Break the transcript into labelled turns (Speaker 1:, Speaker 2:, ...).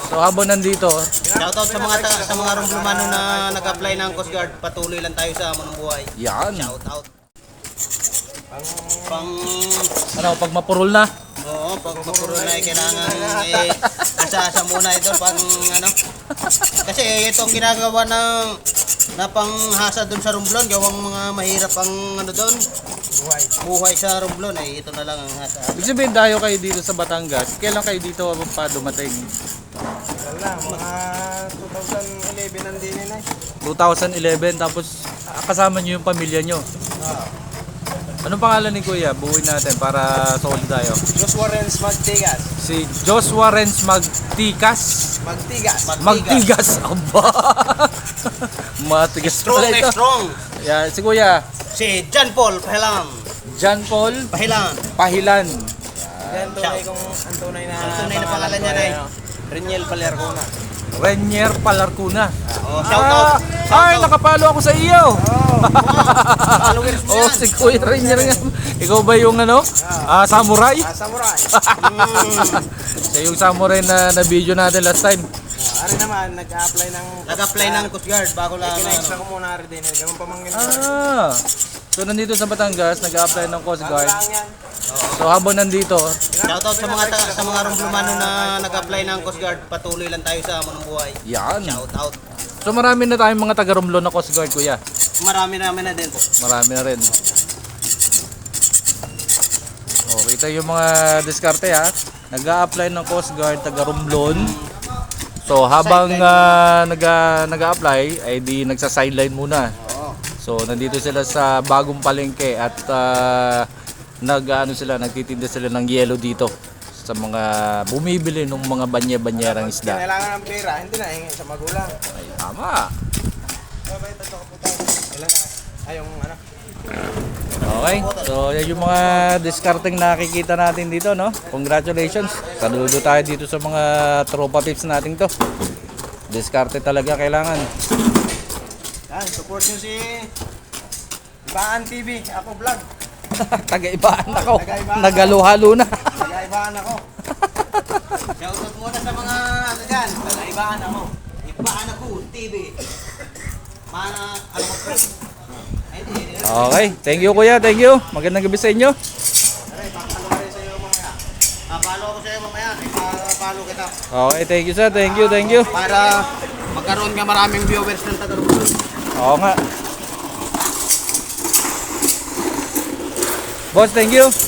Speaker 1: So habang nandito,
Speaker 2: Shoutout sa mga rumblumano na nag-apply ng Coast Guard. Patuloy lang tayo sa amunong buhay.
Speaker 1: yan.
Speaker 2: Shoutout. Pang
Speaker 1: Pag mapurol na.
Speaker 2: Oo, pag mapuro na kailangan asa-asa muna ito pang ano. Kasi itong ginagawa na panghasa doon sa Romblon, gawang mga mahirap ang ano doon. Buhay sa Romblon ay ito na lang ang hasa.
Speaker 1: Ibig sabihin dayo kayo dito sa Batangas. Kailan kayo dito pa dumating?
Speaker 3: Wala, mga 2011 nandini na.
Speaker 1: 2011 tapos kasama niyo yung pamilya niyo. Anong pangalan ni Kuya? Buuin natin para solid tayo.
Speaker 3: Joshua Renz Magtigas.
Speaker 1: Si Joshua Renz Magtikas. Magtigas. Aba. Matigas
Speaker 2: Strong
Speaker 1: pala ito.
Speaker 2: strong.
Speaker 1: Yeah, si Kuya
Speaker 2: Si John Paul Pahilan.
Speaker 1: John Paul
Speaker 2: Pahilan.
Speaker 1: Pahilan.
Speaker 3: Yan tunay kung ang tunay na
Speaker 2: pangalan niya ay
Speaker 3: Reniel Palercona.
Speaker 1: Renier Palarcuna.
Speaker 2: Oh, shoutout.
Speaker 1: Ay, nakapalo ako sa iyo.
Speaker 2: Followers mo
Speaker 1: Oh,
Speaker 2: yan.
Speaker 1: si Kuya Renier nga. Ikaw ba yung ano? Samurai?
Speaker 3: Samurai.
Speaker 1: Siya yung samurai na video natin last time.
Speaker 3: Ari naman,
Speaker 2: Nag-apply ng Coast Guard bago lang.
Speaker 3: Kina-extra ko muna ari din. Ganun pamangkin ko.
Speaker 1: So nandito sa Batangas, nag-apply ng Coast Guard.
Speaker 3: Lang yan.
Speaker 1: So habang nandito,
Speaker 2: Shoutout sa mga rumblumano na nag-apply ng Coast Guard. Patuloy lang tayo sa amunong buhay.
Speaker 1: yan.
Speaker 2: Shoutout.
Speaker 1: So marami na tayong mga taga-Romblon na Coast Guard, Kuya.
Speaker 2: Marami na din po.
Speaker 1: Marami na rin. Oh, kita yung mga diskarte ha. Nag-a-apply ng Coast Guard, taga-Romblon. So habang nag-a-apply, ay di nagsa-sideline muna. So nandito sila sa bagong palengke at nagtitinda sila ng yelo dito sa mga bumibili ng mga banya-banyerang isda.
Speaker 3: Kailangan ng pera, hindi na hingi sa magulang.
Speaker 1: Ay, tama.
Speaker 3: Kailangan, yung ano.
Speaker 1: Okay, so yan yung mga discarding nakikita natin dito, no? Congratulations. Saludo tayo dito sa mga tropa pips natin to. Diskarte talaga kailangan.
Speaker 3: Yan, support nyo si Ibaan TV, ako vlog.
Speaker 1: Taga-ibaan ako.
Speaker 3: Taga-ibaan.
Speaker 1: Nagalo-halo na.
Speaker 3: Nag-aibaan ako.
Speaker 2: Shoutout muna sa mga ano dyan. Ibaan ako. Ibaan ako, TV. Mana, ano ko pre?
Speaker 1: Okay, thank you Kuya, thank you. Magandang gabi sa inyo.
Speaker 3: Papalo ka rin sa iyo mamaya.
Speaker 2: Papalo ko sa'yo mamaya. Papalo kita.
Speaker 1: Okay, thank you sir, thank you, thank you.
Speaker 2: Para magkaroon ka maraming viewers ng taga-Romblon.
Speaker 1: Oo nga. Boss, thank you.